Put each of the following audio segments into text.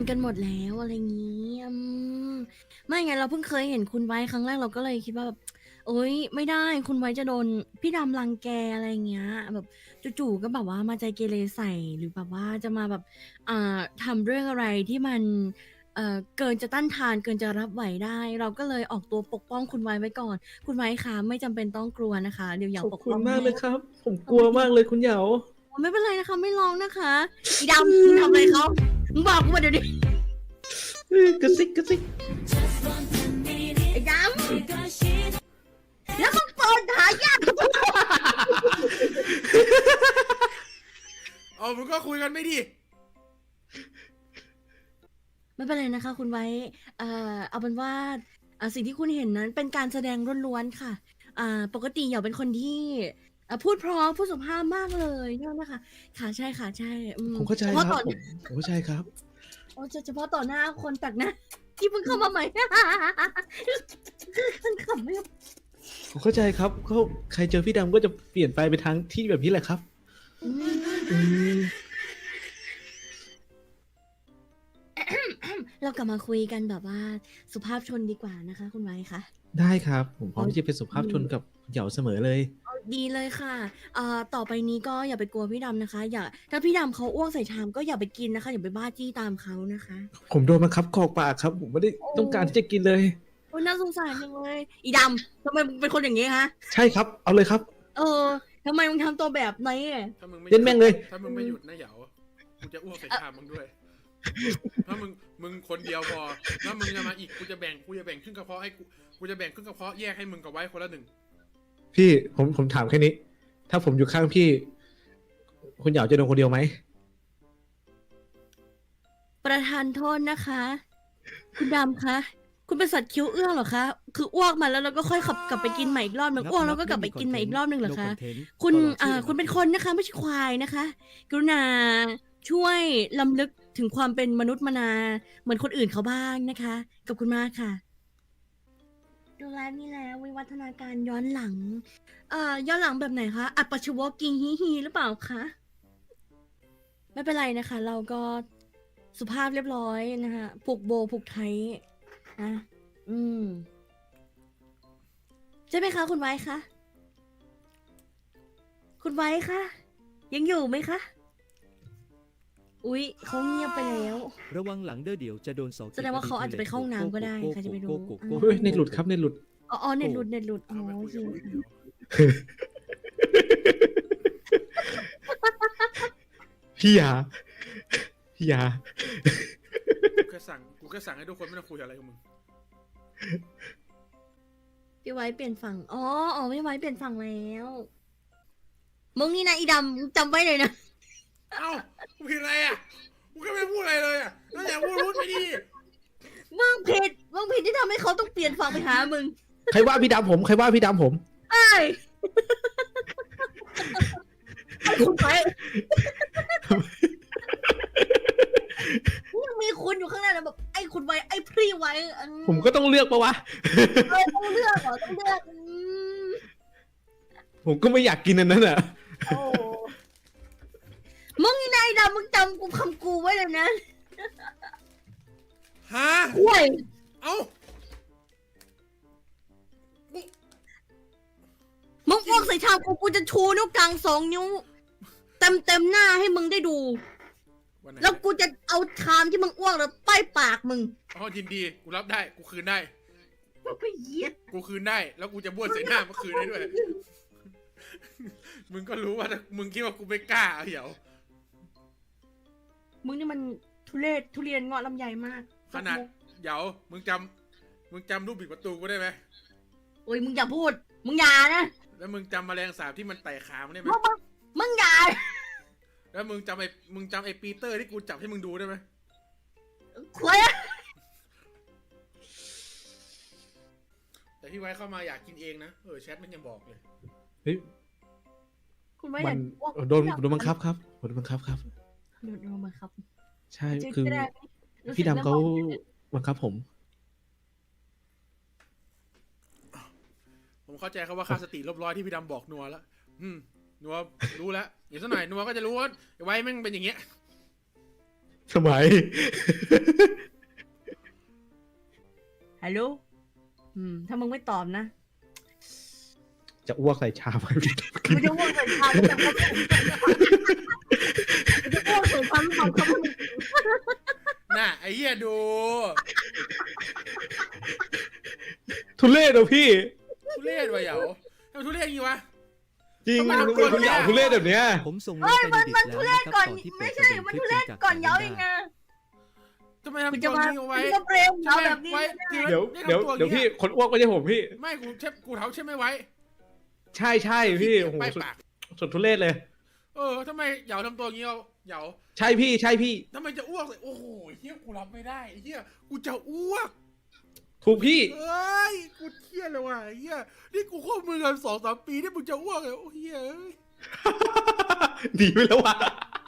กันหมดแล้วอะไรงี้มไม่ไงเราเพิ่งเคยเห็นคุณไว้ครั้งแรกเราก็เลยคิดว่าแบบโอ๊ยไม่ได้คุณไว้จะโดนพี่ดำรังแกอะไรเงี้ยแบบจู่ๆก็แบบว่ามาใจเกเรใส่หรือแบบว่าจะมาแบบทำเรื่องอะไรที่มันเกินจะต้านทานเกินจะรับไหวได้เราก็เลยออกตัวปกป้องคุณไว้ก่อนคุณไว้คะไม่จำเป็นต้องกลัวนะคะเดี๋ยวเหยาขอบปกคุณมากป้องให้เลยครับ ผมโอกลัวเคมากเลยคุณเหยาไม่เป็นไรนะคะไม่ร้องนะคะอีดำมึงทำอะไรเขามึงบอกกูมาเดี๋ยวนี้กระซิกกระซิกไอ้ดำ แล้วมึงเปิดหายากเอามึงก็คุยกันไม่ดีไม่เป็นไรนะคะคุณไว้เอาเป็นว่าสิ่งที่คุณเห็นนั้นเป็นการแสดงล้วนๆค่ะปกติอย่าเป็นคนที่พูดเพราะพูดสุภาพมากเลยเนี่ยนะคะค่ะใช่ค่ะใช่ผมเข้าใจเฉคพาะรับต่อผมเข้าใจครับเฉพาะต่อหน้าคนแปลกหน้าที่เพิ่งเข้ามาใหม่ มันขำไม่ผมเข้าใจครับก็ใครเจอพี่ดำก็จะเปลี่ยนไปทางที่แบบนี้แหละครับอืมอืมเรากลับมาคุยกันแบบว่าสุภาพชนดีกว่านะคะคุณไว้คะได้ครับ ผมพร้อมที่จะเป็นสุภาพชนกับเหยาเสมอเลยดีเลยค่ะต่อไปนี้ก็อย่าไปกลัวพี่ดำนะคะ อย่าถ้าพี่ดำเขาอ้วกใส่ชามก็อย่าไปกินนะคะ อย่าไปบ้าจี้ตามเขานะคะผมโดนบังคับกรอกปากครับ ผมไม่ได้ต้องการที่จะกินเลยโอ้ยน่าสงสารจังเลย อีดำทำไมมึงเป็นคนอย่างนี้ฮะใช่ครับ เอาเลยครับเออทำไมมึงทำตัวแบบนี้อะถ้ามึงไม่เล่นแม่งเลยถ้ามึงไม่หยุดนะเหยากูจะอ้วกใส่ชามมึงด้วย ถ้ามึงคนเดียวพอ ถ้ามึงจะมาอีกกูจะแบ่งครึ่งกระเพาะให้กูจะแบ่งครึ่งกระเพาะแยกให้มึงกับไว้คนละหนึ่งพี่ผมถามแค่นี้ ถ้าผมอยู่ข้างพี่ คุณเหยาจะโดนคนเดียวไหมประธานโทษนะคะ คุณดำคะ คุณเป็นสัตว์คิ้วเอื้องเหรอคะ คืออ้วกมาแล้วเราก็ค่อยขับกลับไปกินใหม่อีกรอบหนึ่งอ้วกแล้วก็กลับไปกินใหม่อีกรอบหนึ่งเหรอคะ คุณเป็นคนนะคะไม่ใช่ควายนะคะ กรุณาช่วยลำลึกถึงความเป็นมนุษย์มนาเหมือนคนอื่นเขาบ้างนะคะขอบคุณมากค่ะดูแลนี่แล้ววิวัฒนาการย้อนหลังย้อนหลังแบบไหนคะอัปปชวกิงฮีหรือเปล่าคะไม่เป็นไรนะคะ เราก็สุภาพเรียบร้อยนะคะผูกโบผูกไทยนะใช่ไหมคะคุณไว้คะคุณไว้คะยังอยู่ไหมคะอุ๊ยเขาเงียบไปแล้วระวังหลังเด้อเดี๋ยวจะโดนเสาแสดงว่าเขาอาจจะไปเข้าห้องน้ำก็ได้ใครจะไปรู้เฮ้ยเน็ตหลุดครับเน็ตหลุดอ๋อเน็ตหลุดอ๋อเอาไปโอคุยเคกับค่ะพี่ยาพี่ยากูแค่สั่งให้ทุกคนไม่ต้องคุยอะไรกับมึงพี่ไว้เปลี่ยนฝั่งอ๋อพี่ไว้เปลี่ยนฝั่งแล้วมึงนี่นะอีดำมึงจำไว้เลยนะเอ้ากูผิดอะไรอ่ะกูแค่ไม่พูดอะไรเลยอ่ะแล้วอย่าพูดไม่ดีมึงผิดที่ทำให้เขาต้องเปลี่ยนฝั่งไปหามึงใครว่าพี่ดำผมใครว่าพี่ดำผมไอ้คุณไว้ยังมีคุณอยู่ข้างหน้านะแบบไอ้คุณไว้ไอ้พรี่ไว้ผมก็ต้องเลือกปะวะต้องเลือกเหรอต้องเลือกผมก็ไม่อยากกินอันนั้นอ่ะโอ้มึงนี่นายดำมึงจำกูคำกูไว้เลยนะฮะห่วยเอ้ามึงอ้วกใส่ชามกูจะชูนิ้วกลาง2 นิ้วเต็มหน้าให้มึงได้ดูวันไหนแล้วกูจะเอาชามที่มึงอ้วกแล้วป้ายปากมึงอ๋อยินดีกูรับได้กูคืนได้ไอ้เหี้ยกูคืนได้ แล้วกูจะบ้วนใส่หน้ามาคืนได้ด้วย มึงก็รู้ว่าถ้ามึงคิดว่ากูไม่กล้าเหรอมึงนี่มันทุเรียนเงาะลำไยมากขนาดเหยามึงจำรูปบิดประตูกูได้ไหมโอ้ยมึงอย่าพูด มึงอย่านะแล้วมึงจำแมลงสาบที่มันไต่ขามันได้ไหมมึงอย่าแล้วมึงจำไอ้ปีเตอร์ที่กูจับให้มึงดูได้ไหมควายแต่พี่ไว้เข้ามาอยากกินเองนะแชทมันยังบอกเลยเฮ้ยคุณไว้มัอน ยากอ้วกโดนบังคับครับโดนบังคับครับโดนบังคับใช่คือจะได้รู้สึกพี่ดำเขาบังคับผมผมเข้าใจครับว่าค่าสติลบร้อยที่พี่ดำบอกนัวแล้วนัวรู้แล้วเดี๋ยวสักหน่อยนัวก็จะรู้ว่าไอ้ไว้แม่งเป็นอย่างเงี้ยทำไมฮัลโหลถ้ามึงไม่ตอบนะจะอ้วกใส่ชามให้พี่มึงจะอ้วกใส่ชามแต่เขาจะอ้วกใส่ชามเขาเขาไม่น่ะไอ้เหี้ยดูทุเรศเหรอพี่ทุเรศวะเหยาทำไมทุเรศอย่างงี้วะจริงทำไมคุณต้องคุณเหยาทุเรศแบบเนี้ยผมส่งลิงก์ไปในดิสแล้วนะครับก่อนตอนที่เปิไม่ดใช่ประเด็นมันคลิปทุเรศจากก่อนเย้าได้เองนะทำไมมึงทำจะตัวมานี้เอาไว้มึงก็เปรมใช่เย้าไหมแบบนี้ไว้ไม่จริได้งเดี๋ยวนี่เดี๋ยวทำตัวเดี๋ยวงี้พี่คนอ้วกไม่ใช่ผมพี่ไม่กูเชฟกูเท้าใช่ไหมไว้ใช่ใช่พี่โอ้โหไปสุดปากสุดทุเรศเลยทำไมเหยาทำตัวงี้เอาเหยาใช่พี่ใช่พี่ทำไมจะอ้วกเลยโอ้โหเฮียกูรับไม่ได้เฮียกูจะอ้วกถูกพี่เอ้ยกูเครียดเลยว่ะเฮียนี่กูควบมือกัน2-3 ปีนี่มึงจะอ้วกเลยโอ้เฮียเอ้ยดีไปแล้วว่ะ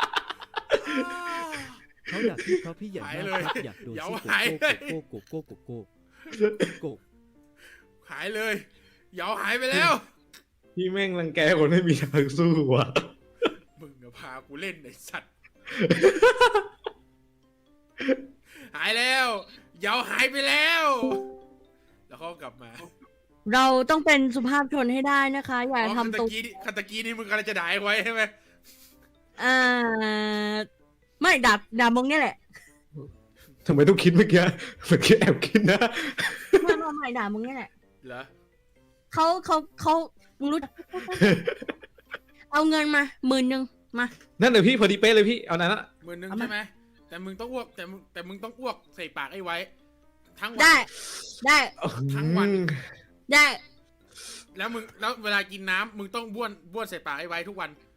เขาดักพี่เพราะพี่ใหญ่มากครับอยากโดนซี่โกโก้โกโก้โกหายเลยเหยาหายไปแล้วพี่แม่งรังแกคนไม่มีทางสู้ว่ะมึงอะพากูเล่นไอ้สัตว์ หายแล้วเหยาหายไปแล้ว แล้วเขากลับมาเราต้องเป็นสุภาพชนให้ได้นะคะ อย่าอ๋อทำตัวคันตะกี้นี่มึงกำลังจะด่าไว้ใช่ไหมไม่ด่ามงเนี่ยแหละทำไมต้องคิดเมื่อกี้เมื่อกี้แอบคิดนะไม่ด่ามงเนี่ยแหละเหรอเขามึงรู้ เอาเงินมา10,000มานั่นเลยพี่พอดีเป๊ะเลยพี่เอานั้นละ 10,000 เอามาใช่ไหมแต่มึงต้องอ้วกแต่มึงต้องอ้วกใส่ปากไอ้ไว้ ทั้งวัได้ทั้งวันได้แล้วเวลากินน้ำมึงต้องบ้วนใส่ปากไอ้ไว้ทุกวัน